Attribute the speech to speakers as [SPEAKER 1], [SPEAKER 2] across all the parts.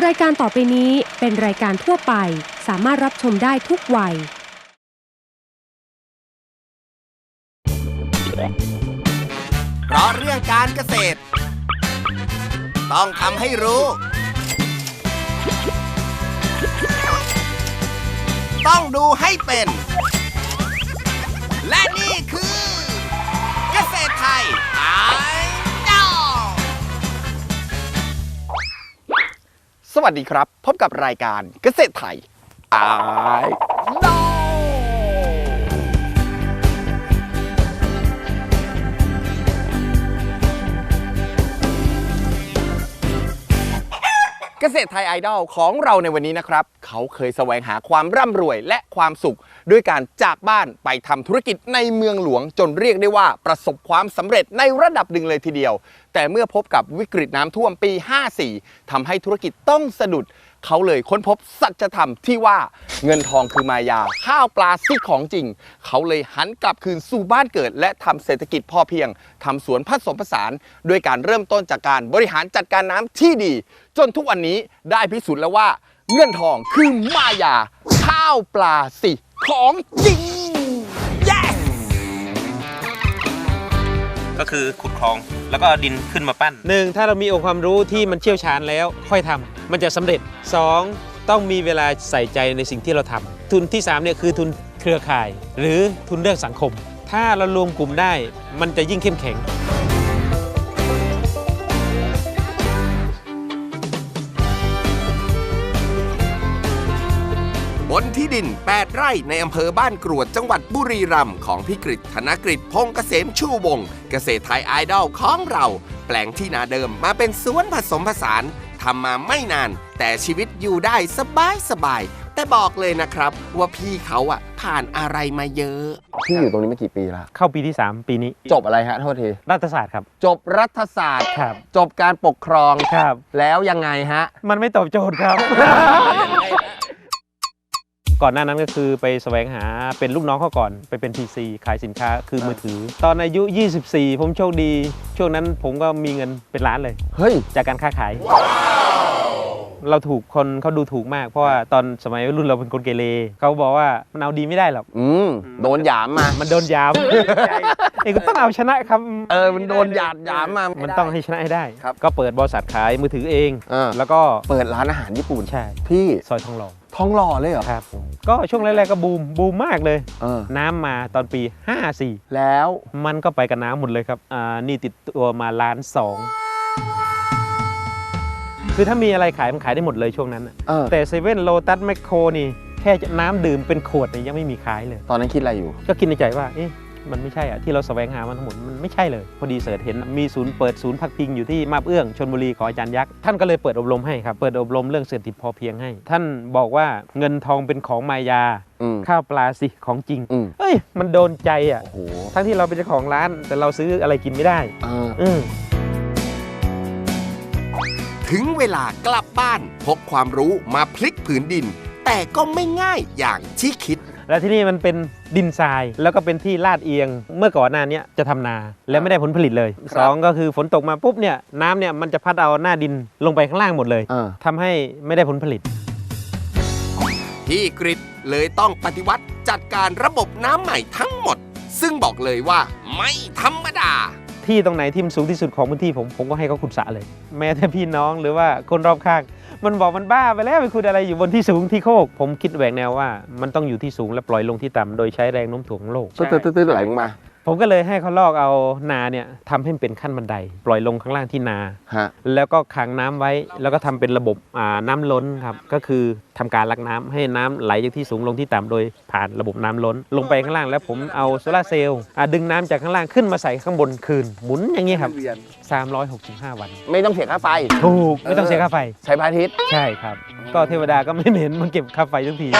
[SPEAKER 1] รายการต่อไปนี้เป็นรายการทั่วไปสามารถรับชมได้ทุกวัย
[SPEAKER 2] เพราะเรื่องการเกษตรต้องทำให้รู้ต้องดูให้เป็นและนี่คือเกษตรไทยไอดอลสวัสดีครับพบกับรายการเกษตรไทยไอดอลเกษตรไทยไอดอลของเราในวันนี้นะครับเขาเคยแสวงหาความร่ำรวยและความสุขด้วยการจากบ้านไปทำธุรกิจในเมืองหลวงจนเรียกได้ว่าประสบความสำเร็จในระดับหนึ่งเลยทีเดียวแต่เมื่อพบกับวิกฤตน้ำท่วมปี 54 ทำให้ธุรกิจต้องสะดุดเขาเลยค้นพบสัจธรรมที่ว่าเงินทองคือมายาข้าวปลาซิกของจริงเขาเลยหันกลับคืนสู่บ้านเกิดและทำเศรษฐกิจพอเพียงทำสวนผสมผสานด้วยการเริ่มต้นจากการบริหารจัดการน้ำที่ดีจนทุกวันนี้ได้พิสูจน์แล้วว่าเงินทองคือมายาข้าวปลาสิของจริง yes!
[SPEAKER 3] ก็คือขุดคลองแล้วก็ดินขึ้นมาปั้น
[SPEAKER 4] 1. ถ้าเรามีองค์ความรู้ที่มันเชี่ยวชาญแล้วค่อยทำมันจะสำเร็จ 2. ต้องมีเวลาใส่ใจในสิ่งที่เราทำทุนที่3เนี่ยคือทุนเครือข่ายหรือทุนเรื่องสังคมถ้าเรารวมกลุ่มได้มันจะยิ่งเข้มแข็ง
[SPEAKER 2] บนที่ดิน 8 ไร่ในอำเภอบ้านกรวดจังหวัดบุรีรัมย์ของพิกฤตธนกฤษพงษ์เกษมชูวงศ์เกษตรไทยไอดอลของเราแปลงที่นาเดิมมาเป็นสวนผสมผสานทำมาไม่นานแต่ชีวิตอยู่ได้สบายแต่บอกเลยนะครับว่าพี่เขาผ่านอะไรมาเยอะพี่อยู่ตรงนี้มากี่ปีแล้ว
[SPEAKER 4] เข้าปีที่3ปีนี้
[SPEAKER 2] จบอะไรฮะโทษที
[SPEAKER 4] รัฐศาสตร์ครับ
[SPEAKER 2] จบรัฐศาสตร์
[SPEAKER 4] ครับ
[SPEAKER 2] จบการปกครอง
[SPEAKER 4] ครับ
[SPEAKER 2] แล้วยังไงฮะ
[SPEAKER 4] มันไม่ตอบโจทย์ครับ ก่อนหน้านั้นก็คือไปแสวงหาเป็นลูกน้องเขาก่อนไปเป็น PC ขายสินค้าคือมือถือตอนอายุ24ผมโชคดีช่วงนั้นผมก็มีเงินเป็นล้านเลย
[SPEAKER 2] เฮ้ย
[SPEAKER 4] จากการค้าขายเราถูกคนเขาดูถูกมากเพราะว่าตอนสมัยรุ่นเราเป็นคนเกเรเขาบอกว่ามันเอาดีไม่ได้หรอก
[SPEAKER 2] โดนหยามมา
[SPEAKER 4] มันโดนหยามเอกต้องเอาชนะครับ
[SPEAKER 2] มันโดนหยามมา
[SPEAKER 4] มันต้องให้ชนะให้ได้ก็เปิดบริษัทขายมือถือเองแล้วก็
[SPEAKER 2] เปิดร้านอาหารญี่ปุ่น
[SPEAKER 4] ใช่
[SPEAKER 2] พี่
[SPEAKER 4] ซอยทองหล่อ
[SPEAKER 2] เลยเหรอ
[SPEAKER 4] ครับก็ช่วงแรกๆก็บูมมากเลยน้ำมาตอนปี54
[SPEAKER 2] แล้ว
[SPEAKER 4] มันก็ไปกับน้ำหมดเลยครับนี่ติดตัวมา1.2 ล้านคือถ้ามีอะไรขายมันขายได้หมดเลยช่วงนั้นแต่เซเว่นโลตัสแมคโครนี่แค่น้ำดื่มเป็นขวดนี่ยังไม่มีขายเลย
[SPEAKER 2] ตอนนั้นคิดอะไรอยู่
[SPEAKER 4] ก็คิดในใจว่ามันไม่ใช่ที่เราแสวงหามันทั้งหมดมันไม่ใช่เลยพอดีเสิร์ชเห็นมีเปิดศูนย์พักพิงอยู่ที่มาบเอื้องชลบุรีของอาจารย์ยักษ์ท่านก็เลยเปิดอบรมให้ครับเปิดอบรมเรื่องเศรษฐกิจพอเพียงให้ท่านบอกว่าเงินทองเป็นของมายาข้าวปลาสิของจริงมันโดนใจทั้งที่เราเป็นเจ้าของร้านแต่เราซื้ออะไรกินไม่ได้
[SPEAKER 2] ถึงเวลากลับบ้านพกความรู้มาพลิกผืนดินแต่ก็ไม่ง่ายอย่างที่คิด
[SPEAKER 4] และที่นี่มันเป็นดินทรายแล้วก็เป็นที่ลาดเอียงเมื่อก่อนหน้านี้จะทำนาแล้วไม่ได้ผลผลิตเลย2ก็คือฝนตกมาปุ๊บเนี่ยน้ำเนี่ยมันจะพัดเอาหน้าดินลงไปข้างล่างหมดเลยทำให้ไม่ได้ผลผลิต
[SPEAKER 2] พี่กฤษเลยต้องปฏิวัติจัดการระบบน้ำใหม่ทั้งหมดซึ่งบอกเลยว่าไม่ธรรมดา
[SPEAKER 4] ที่ตรงไหนที่มันสูงที่สุดของพื้นที่ผมก็ให้เขาขุดสระเลยแม้แต่พี่น้องหรือว่าคนรอบข้างมันบอกมันบ้าไปแล้วไปขุดอะไรอยู่บนที่สูงที่โคกผมคิดแหวกแนวว่ามันต้องอยู่ที่สูงและปล่อยลงที่ต่ำโดยใช้แรงโน้มถ่วงของโลก
[SPEAKER 2] ตื้อไหลลงมา
[SPEAKER 4] ผมก็เลยให้เขาลอกเอานาเนี่ยทำให้เป็นขั้นบันไดปล่อยลงข้างล่างที่นาแล้วก็ขังน้ำไว้แล้วก็ทำเป็นระบบน้ำล้นครับก็คือทำการลักน้ำให้น้ำไหลจากที่สูงลงที่ต่ำโดยผ่านระบบน้ำล้นลงไปข้างล่างแล้วผมเอาโซลาร์เซลล์ดึงน้ำจากข้างล่างขึ้นมาใส่ข้างบนคืนหมุนอย่างนี้ครับ365 วัน
[SPEAKER 2] ไม่ต้องเสียค่าไฟ
[SPEAKER 4] ถูกไม่ต้องเสียค่าไฟ
[SPEAKER 2] ใช้พระอาทิตย์
[SPEAKER 4] ใช่ครับก็เทวดาก็ไม่เห็นมันเก็บค่าไฟทุกที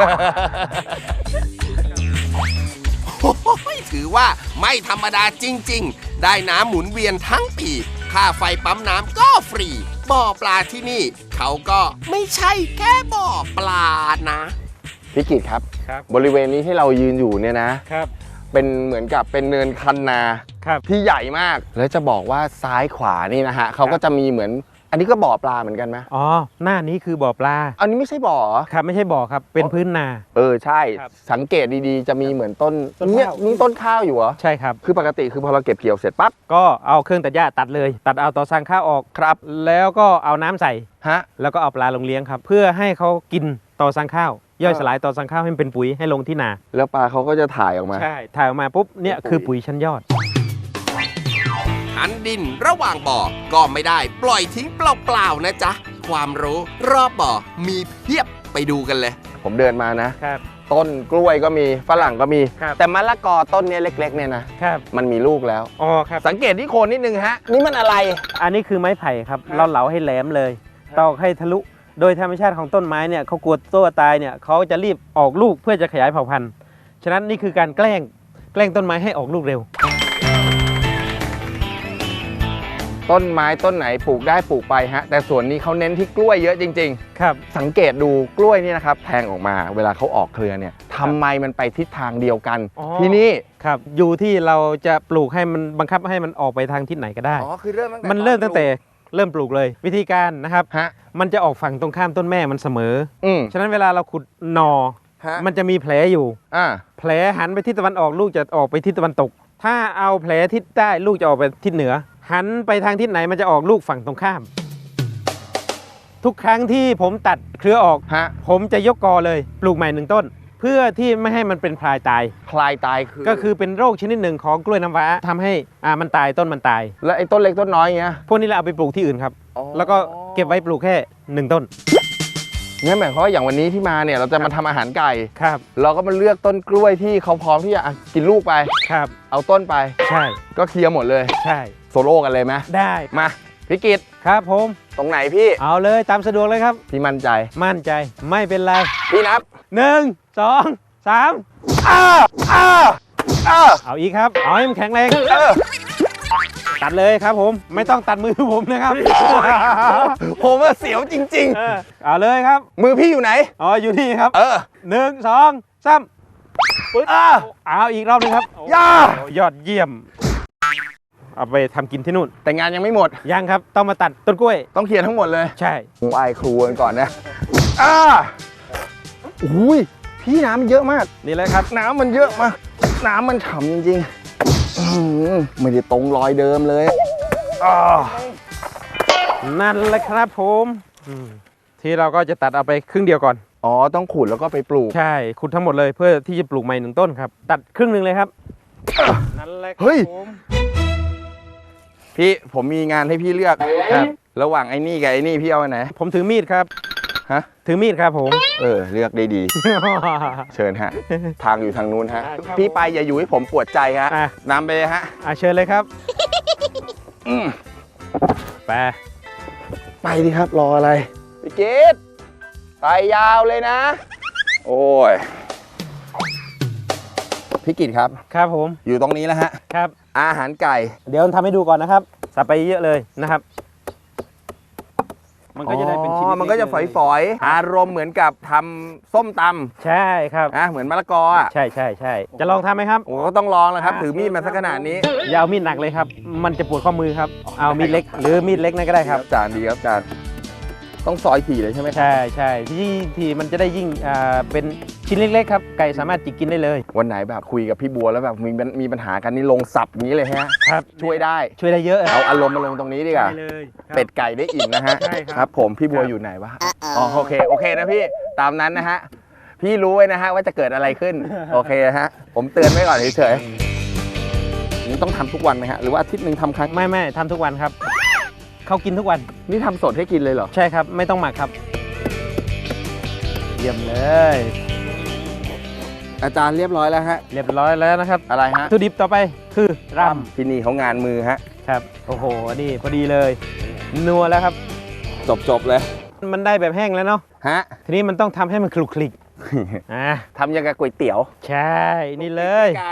[SPEAKER 2] ถือว่าไม่ธรรมดาจริงๆได้น้ำหมุนเวียนทั้งปีค่าไฟปั๊มน้ำก็ฟรีบ่อปลาที่นี่เขาก็ไม่ใช่แค่บ่อปลานะพี่กิตครับบริเวณนี้ที่เรายืนอยู่เนี่ยนะครับเป็นเหมือนกับเป็นเนินคันนาที่ใหญ่มากแล้วจะบอกว่าซ้ายขวานี่นะฮะเขาก็จะมีเหมือนอันนี้ก็บ่อปลาเหมือนกันไหม
[SPEAKER 4] อ๋อหน้านี้คือบ่อปลา
[SPEAKER 2] อันนี้ไม่ใช่บ่อเหรอ
[SPEAKER 4] ครับไม่ใช่บ่อครับเป็นพื้นนา
[SPEAKER 2] ใช่
[SPEAKER 4] ครับ
[SPEAKER 2] สังเกตดีๆจะมีเหมือนต้น
[SPEAKER 4] ต้น
[SPEAKER 2] เนี่ย
[SPEAKER 4] ข้าว
[SPEAKER 2] นี่ต้นข้าวอยู่เหรอ
[SPEAKER 4] ใช่ครับ
[SPEAKER 2] คือปกติคือพอเราเก็บเกี่ยวเสร็จปั๊บ
[SPEAKER 4] ก็เอาเครื่องตัดหญ้าตัดเลย ตัดเอาต่อสั่งข้าวออก
[SPEAKER 2] ครับ
[SPEAKER 4] แล้วก็เอาน้ำใส่
[SPEAKER 2] ฮะ
[SPEAKER 4] แล้วก็เอาปลาลงเลี้ยงครับเพื่อให้เขากินต่อสั่งข้าว ย่อยสลายต่อสั่งข้าวให้มันเป็นปุ๋ยให้ลงที่นา
[SPEAKER 2] แล้วปลาเขาก็จะถ่ายออกมา
[SPEAKER 4] ใช่ถ่ายออกมาปุ๊บเนี่ยคือปุ๋ยชั้นยอด
[SPEAKER 5] หันดินระหว่างบ่อก็ไม่ได้ปล่อยทิ้งเปล่าๆนะจ๊ะ ความรู้รอบบ่อมีเพียบไปดูกันเลย
[SPEAKER 2] ผมเดินมานะ
[SPEAKER 4] ครับ
[SPEAKER 2] ต้นกล้วยก็มีฝรั่งก็มี
[SPEAKER 4] ครับ
[SPEAKER 2] แต่มะละกอต้นเนี้ยเล็กๆเนี่ยนะครับ มันมีลูกแล้ว
[SPEAKER 4] อ๋อครับ
[SPEAKER 2] สังเกตที่โคนนิดนึงฮะ นี่มันอะไร
[SPEAKER 4] อันนี้คือไม้ไผ่ครับเราเหลาให้แหลมเลยตอกให้ทะลุโดยธรรมชาติของต้นไม้เนี่ยเขากลัวตัวตายเนี่ยเขาจะรีบออกลูกเพื่อจะขยายเผ่าพันธุ์ฉะนั้นนี่คือการแกล้งต้นไม้ให้ออกลูกเร็ว
[SPEAKER 2] ต้นไม้ต้นไหนปลูกได้ปลูกไปฮะ แต่ส่วนนี้เขาเน้นที่กล้วยเยอะจริง
[SPEAKER 4] ครับ
[SPEAKER 2] ๆ สังเกตดูกล้วยนี่นะครับแทงออกมาเวลาเขาออกเครือเนี่ยทำไมมันไปทิศทางเดียวกัน
[SPEAKER 4] อ๋อ
[SPEAKER 2] ที่นี่
[SPEAKER 4] ครับอยู่ที่เราจะปลูกให้มันบังคับให้มันออกไปทางทิศไหนก็ได้
[SPEAKER 2] อ๋อคือเริ่มตั้งแต่
[SPEAKER 4] มันเริ่มตั้งแต่เริ่มปลูกเลย วิธีการนะครับ
[SPEAKER 2] ฮะ
[SPEAKER 4] มันจะออกฝั่งตรงข้ามต้นแม่มันเสมอ
[SPEAKER 2] อืม
[SPEAKER 4] ฉะนั้นเวลาเราขุดหนอ
[SPEAKER 2] ฮะ
[SPEAKER 4] มันจะมีแผลอยู่
[SPEAKER 2] อ่า
[SPEAKER 4] แผลหันไปทิศตะวันออกลูกจะออกไปทิศตะวันตก ถ้าเอาแผลทิศใต้ลูกจะออกไปทิศเหนือ หันไปทางทิศไหนมันจะออกลูกฝั่งตรงข้าม ทุกครั้งที่ผมตัดเครือออก
[SPEAKER 2] ฮะ
[SPEAKER 4] ผมจะยกกอเลยปลูกใหม่หนึ่งต้น เพื่อที่ไม่ให้มันเป็นพลายตาย
[SPEAKER 2] พลายตายคือ
[SPEAKER 4] ก็คือเป็นโรคชนิดหนึ่งของกล้วยน้ำว้าทำให้มันตายต้นมันตาย
[SPEAKER 2] แล้วไอ้ต้นเล็กต้นน้อยเงี้ย
[SPEAKER 4] พวกนี้เราเอาไปปลูกที่อื่นครับ
[SPEAKER 2] อ๋อ
[SPEAKER 4] แล้วก็เก็บไว้ปลูกแค่1ต้น
[SPEAKER 2] งั้นหมายความว่าอย่างวันนี้ที่มาเนี่ยเราจะมาทำอาหารไก่
[SPEAKER 4] ครับ
[SPEAKER 2] เราก็มาเลือกต้นกล้วยที่เขาพร้อมที่จะกินลูกไป
[SPEAKER 4] ครับ
[SPEAKER 2] เอาต้นไป
[SPEAKER 4] ใช่
[SPEAKER 2] ก็เคลียร์หมดเลย
[SPEAKER 4] ใช่
[SPEAKER 2] โซโล่กันเลยไหม
[SPEAKER 4] ได้
[SPEAKER 2] มาพี่กิต
[SPEAKER 4] ครับผม
[SPEAKER 2] ตรงไหนพี่
[SPEAKER 4] เอาเลยตามสะดวกเลยครับ
[SPEAKER 2] พี่มั่นใจ
[SPEAKER 4] มั่นใจไม่เป็นไร
[SPEAKER 2] พี่นับ
[SPEAKER 4] 1 2 3
[SPEAKER 2] อ้าอ้าอ้า
[SPEAKER 4] เอาอีกครับเอาให้มันแข็งแรง
[SPEAKER 2] เออ
[SPEAKER 4] ตัดเลยครับผมไม่ต้องตัดมือผมนะครับ
[SPEAKER 2] ผมว่าเสียวจริง
[SPEAKER 4] เอาเลยครับ
[SPEAKER 2] ๆ มือพี่อยู่ไหน
[SPEAKER 4] อ๋ออยู่นี่ครับ
[SPEAKER 2] เออ
[SPEAKER 4] 1 2 3ปึ๊บ
[SPEAKER 2] อ่า
[SPEAKER 4] เอาอีกรอบหนึงครับ
[SPEAKER 2] ย่า
[SPEAKER 4] โอ้ยอดเยี่ยม เอาไปทำกินที่นู่น
[SPEAKER 2] แต่งานยังไม่หมด
[SPEAKER 4] ยังครับต้องมาตัดต้นกล้วย
[SPEAKER 2] ต้องเคลียร์ทั้งหมดเลย
[SPEAKER 4] ใช่
[SPEAKER 2] ไหว้ครูกันก่อนนะอ้าอุ้ยพี่น้ำมันเยอะมาก
[SPEAKER 4] นี่เลยครับ
[SPEAKER 2] น้ำมันเยอะมาก น้ำมันฉ่ำจริงๆอื้อหือไม่ได้ตรงรอยเดิมเลยอ้า
[SPEAKER 4] นั่นแหละครับผมที่เราก็จะตัดเอาไปครึ่งเดียวก่อน
[SPEAKER 2] อ๋อ ต้องขุดแล้วก็ไปปลูก
[SPEAKER 4] ใช่ขุดทั้งหมดเลยเพื่อที่จะปลูกใหม่1ต้นครับ ตัดครึ่งหนึ่งเลยครับนั่นแหละครับ
[SPEAKER 2] เฮ้ย
[SPEAKER 4] ผม
[SPEAKER 2] พี่ผมมีงานให้พี่เลือก
[SPEAKER 4] ครับ
[SPEAKER 2] ระหว่างไอ้นี่กับไอ้นี่พี่เอาอันไหน
[SPEAKER 4] ผมถือมีดครับ
[SPEAKER 2] ฮะ
[SPEAKER 4] ถือมีดครับผม
[SPEAKER 2] เลือกได้ดี เชิญฮะ ทางอยู่ทางนู้นฮะ
[SPEAKER 4] ครับ
[SPEAKER 2] พี่ไปอย่าอยู่ให้ผมปวดใจฮะ
[SPEAKER 4] อ่ะ
[SPEAKER 2] นำไปเลยฮะ
[SPEAKER 4] เชิญเลยครับ
[SPEAKER 2] อืม
[SPEAKER 4] ไป
[SPEAKER 2] ไปดิครับ รออะไร พี่เกดไปยาวเลยนะ โอ้ย พี่กิตครับ
[SPEAKER 4] ครับผม
[SPEAKER 2] อยู่ตรงนี้แล้วฮะ
[SPEAKER 4] ครับ
[SPEAKER 2] อาหารไก่
[SPEAKER 4] เดี๋ยวทำให้ดูก่อนนะครับใส่ไปเยอะเลยนะครับ มันก็จะได้เป็นชิ้น
[SPEAKER 2] มันก็จะฝอยๆ อารมณ์เหมือนกับทำส้มต
[SPEAKER 4] ใช่ครับ
[SPEAKER 2] ำนะเหมือนมะละกออ่ะ
[SPEAKER 4] ใช่ใช่ใช่จะลองทำไหมครับ
[SPEAKER 2] โอ้ก็ต้องลองแล้วครับ ถือมีดมาสักขนาดนี้
[SPEAKER 4] อย่าเอามีดหนักเลยครับ มันจะปวดข้อมือครับ เอามีดเล็ก หรือมีดเล็กนั่นก็ได้ครับ
[SPEAKER 2] จานดีครับจานต้องซอยถี่เลยใช่ไหมครับ
[SPEAKER 4] ใช่ใช่ที่มันจะได้ยิ่งเป็นชิ้นเล็กๆครับ ไก่สามารถจิกกินได้เลย
[SPEAKER 2] วันไหนแบบคุยกับพี่บัวแล้วแบบมีปัญหากันนี่ลงสับอย่างนี้เลยฮะ
[SPEAKER 4] ครับ
[SPEAKER 2] ช่วยได้
[SPEAKER 4] ช่วยได้เยอะ
[SPEAKER 2] เอาอารมณ์มาลงตรงนี้ดีกว่า
[SPEAKER 4] ได้เลยครับ
[SPEAKER 2] เป็ดไก่ได้อิ่มนะฮะ
[SPEAKER 4] ใช่ครับ
[SPEAKER 2] ครับ ผมพี่บัวอยู่ไหนวะอ๋อโอเคนะพี่ตามนั้นนะฮะพี่รู้ไว้นะฮะว่าจะเกิดอะไรขึ้น โอเคนะฮะผมเตือนไว้ก่อนเฉยๆนี่ต้องทำทุกวันไหมฮะหรือว่าอาทิตย์หนึ่งทำครั้ง
[SPEAKER 4] ไม่ทำทุกวันครับ เขากินทุกวัน
[SPEAKER 2] นี่ทำสดให้กินเลยเหรอ
[SPEAKER 4] ใช่ครับ ไม่ต้องหมักครับ เยี่ยมเลย
[SPEAKER 2] อาจารย์เรียบร้อยแล้วฮะ
[SPEAKER 4] เรียบร้อยแล้วนะครับ
[SPEAKER 2] อะไรฮะ
[SPEAKER 4] วัตถุดิบต่อไปคือร
[SPEAKER 2] ที่นี่เขางานมือฮะ
[SPEAKER 4] ำครับ โอ้โห นี่พอดีเลย นัวแล้วครับ
[SPEAKER 2] จบเลย
[SPEAKER 4] มันได้แบบแห้งแล้วเนาะ
[SPEAKER 2] ฮะ
[SPEAKER 4] ทีนี้มันต้องทำให้มันคลุกคลิก
[SPEAKER 2] ทำยังกับก๋วยเตี๋ยว
[SPEAKER 4] ใช่ นี่เลย
[SPEAKER 2] การ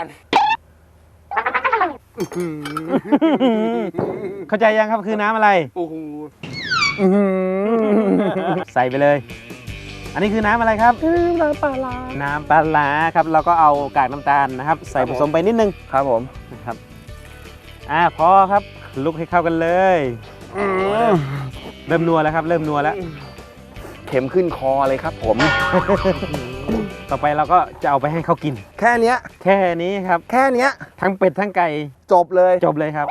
[SPEAKER 4] เข้าใจยังครับคือน้ำอะไร
[SPEAKER 2] โอ้โห
[SPEAKER 4] ใส่ไปเลย อันนี้คือน้ำอะไรครับ
[SPEAKER 2] น้ำปลาร้า
[SPEAKER 4] น้ำปลาร้าครับ เราก็เอากากน้ำตาลนะครับ ใส่ผสมไปนิดนึง
[SPEAKER 2] ครับผม
[SPEAKER 4] นะครับพอครับคลุกให้เข้ากันเลยเริ่มนัวแล้วครับ เริ่มนัวแล้ว
[SPEAKER 2] เข็มขึ้นคอเลยครับผม
[SPEAKER 4] ต่อไปเราก็จะเอาไปให้เขากิน
[SPEAKER 2] แค่เนี้ย
[SPEAKER 4] แค่นี้ครับ
[SPEAKER 2] แค่เนี้ย
[SPEAKER 4] ทั้งเป็ดทั้งไก่
[SPEAKER 2] จบเลย
[SPEAKER 4] จบเลยครับ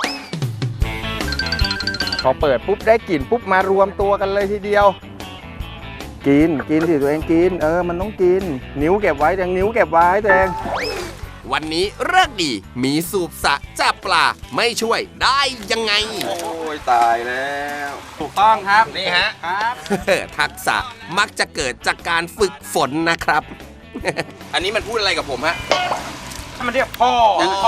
[SPEAKER 2] พอเปิดปุ๊บได้กลิ่นปุ๊บมารวมตัวกันเลยทีเดียว กินสิตัวเองกิน มันต้องกิน นิ้วเก็บไว้ตัวเองนิ้วเก็บไว้ตัวเอง
[SPEAKER 5] วันนี้เลิกดีมีสูบสระจับปลาไม่ช่วยได้ยังไง
[SPEAKER 2] โอ้ยตายแล้ว ถูกต้องครับนี่ฮะครับ
[SPEAKER 5] ทักษะมักจะเกิดจากการฝึกฝนนะครับ
[SPEAKER 2] อันนี้มันพูดอะไรกับผมฮะ
[SPEAKER 4] ถ้ามันเรียกพ่อ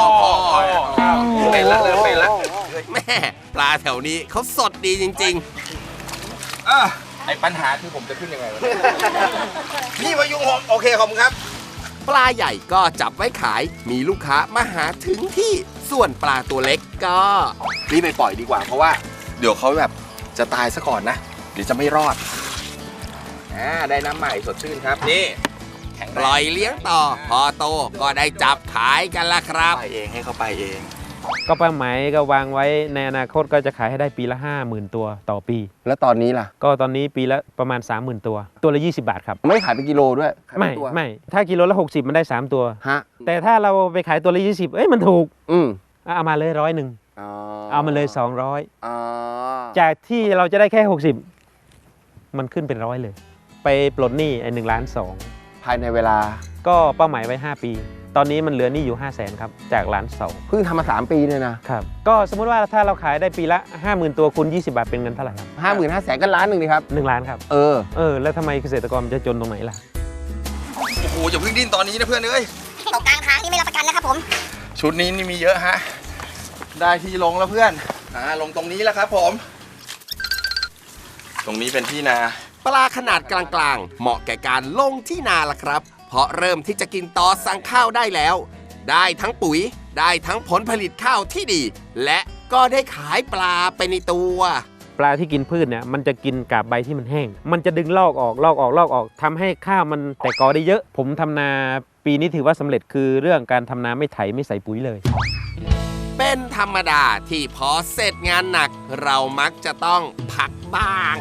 [SPEAKER 2] เป็นแล้วเริ่มเป็นแล้ว
[SPEAKER 5] แม่ปลาแถวนี้เขาสดดีจริง
[SPEAKER 2] ไอ้ปัญหาคือผมจะขึ้นยังไงวะ นี่วายุงผมโอเคขอบคุณครับ
[SPEAKER 5] ๆ ปลาใหญ่ก็จับไว้ขายมีลูกค้ามาหาถึงที่ส่วนปลาตัวเล็กก็
[SPEAKER 2] รีบไปปล่อยดีกว่าเพราะว่าเดี๋ยวเขาแบบจะตายซะก่อนนะ เดี๋ยวจะไม่รอดได้น้ำใหม่สดชื่นครับนี่แข็ง
[SPEAKER 5] ป
[SPEAKER 2] แรง
[SPEAKER 5] ล่อยเลี้ยงต่อ พอโตก็ได้จับขายกันละครับ
[SPEAKER 2] ไปเองให้เขาไปเอง
[SPEAKER 4] ก็เป้าหมายก็วางไว้ในอนาคตก็จะขายให้ได้ปีละ 50,000 ตัวต่อปี
[SPEAKER 2] แล้วตอนนี้ล่ะ
[SPEAKER 4] ก็ตอนนี้ปีละประมาณ 30,000 ตัว ตัวละ 20 บาทครับ
[SPEAKER 2] ไม่ขายเป็นกิโลด้วยขายเป็
[SPEAKER 4] ไม่
[SPEAKER 2] นตัว
[SPEAKER 4] ไม่ถ้ากิโลละ 60 มันได้ 3 ตัว
[SPEAKER 2] ฮะ
[SPEAKER 4] แต่ถ้าเราไปขายตัวละ 20 มันถูก
[SPEAKER 2] อืม
[SPEAKER 4] เอามาเลย100
[SPEAKER 2] อ๋อ
[SPEAKER 4] เอามาเลย
[SPEAKER 2] อ๋อ
[SPEAKER 4] 200 จากที่เราจะได้แค่ 60 มันขึ้นเป็น100เลย ไปปลดหนี้1.2 ล้าน
[SPEAKER 2] ภายในเวลา
[SPEAKER 4] ก็เป้าหมายไว้ 5 ปี ตอนนี้มันเหลือหนี้อยู่ 500,000 ครับจาก1.2 ล้าน
[SPEAKER 2] เพิ่งทำมา3 ปีเนี่ยนะครับ
[SPEAKER 4] ก็สมมุติว่าถ้าเราขายได้ปีละ 50,000 ตัวคูณ20 บาทเป็นเงินเท่าไหร่ครับ
[SPEAKER 2] 55,000ก็ล้านหนึ่งดีครับ
[SPEAKER 4] 1 ล้านครับ แล้วทำไมเกษตรกรมันจะจนตรงไหนล่ะ
[SPEAKER 2] โอ้โหอย่าเพิ่งดิ้นตอนนี้นะเพื่อนเอ้ย
[SPEAKER 6] ตกกลางทางนี่ไม่รับประกันนะครับผม
[SPEAKER 2] ชุดนี้นี่มีเยอะฮะ ได้ที่ลงแล้วเพื่อนลงตรงนี้แล้วครับผม ตรงนี้เป็นที่นา
[SPEAKER 5] ปลาขนาดกลางๆ เหมาะแก่การลงที่นาละครับ เพราะเริ่มที่จะกินต่อสั่งข้าวได้แล้ว ได้ทั้งปุ๋ย ได้ทั้งผลผลิตข้าวที่ดี และก็ได้ขายปลาไปในตัว
[SPEAKER 4] ปลาที่กินพืชเนี่ยมันจะกินกาบใบที่มันแห้ง มันจะดึงลอกออกทำให้ข้าวมันแตกกอได้เยอะ ผมทำนาปีนี้ถือว่าสำเร็จคือเรื่องการทำนาไม่ไถไม่ใส่ปุ๋ยเลย
[SPEAKER 5] เป็นธรรมดาที่พอเสร็จงานหนัก เรามักจะต้องพักบ้าง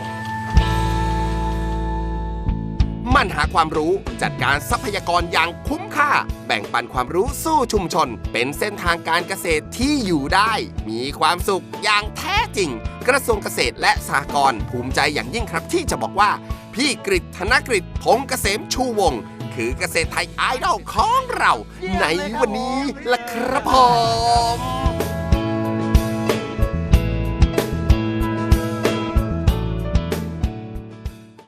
[SPEAKER 5] มันหาความรู้จัดการทรัพยากรอย่างคุ้มค่า แบ่งปันความรู้สู้ชุมชน เป็นเส้นทางการเกษตรที่อยู่ได้ มีความสุขอย่างแท้จริง กระทรวงเกษตรและสหกรณ์ภูมิใจอย่างยิ่งครับที่จะบอกว่า พี่กฤษธนกฤษพงษ์เกษมชูวงศ์คือเกษตรไทยไอดอลของเรา ในวันนี้ล่ะครับผม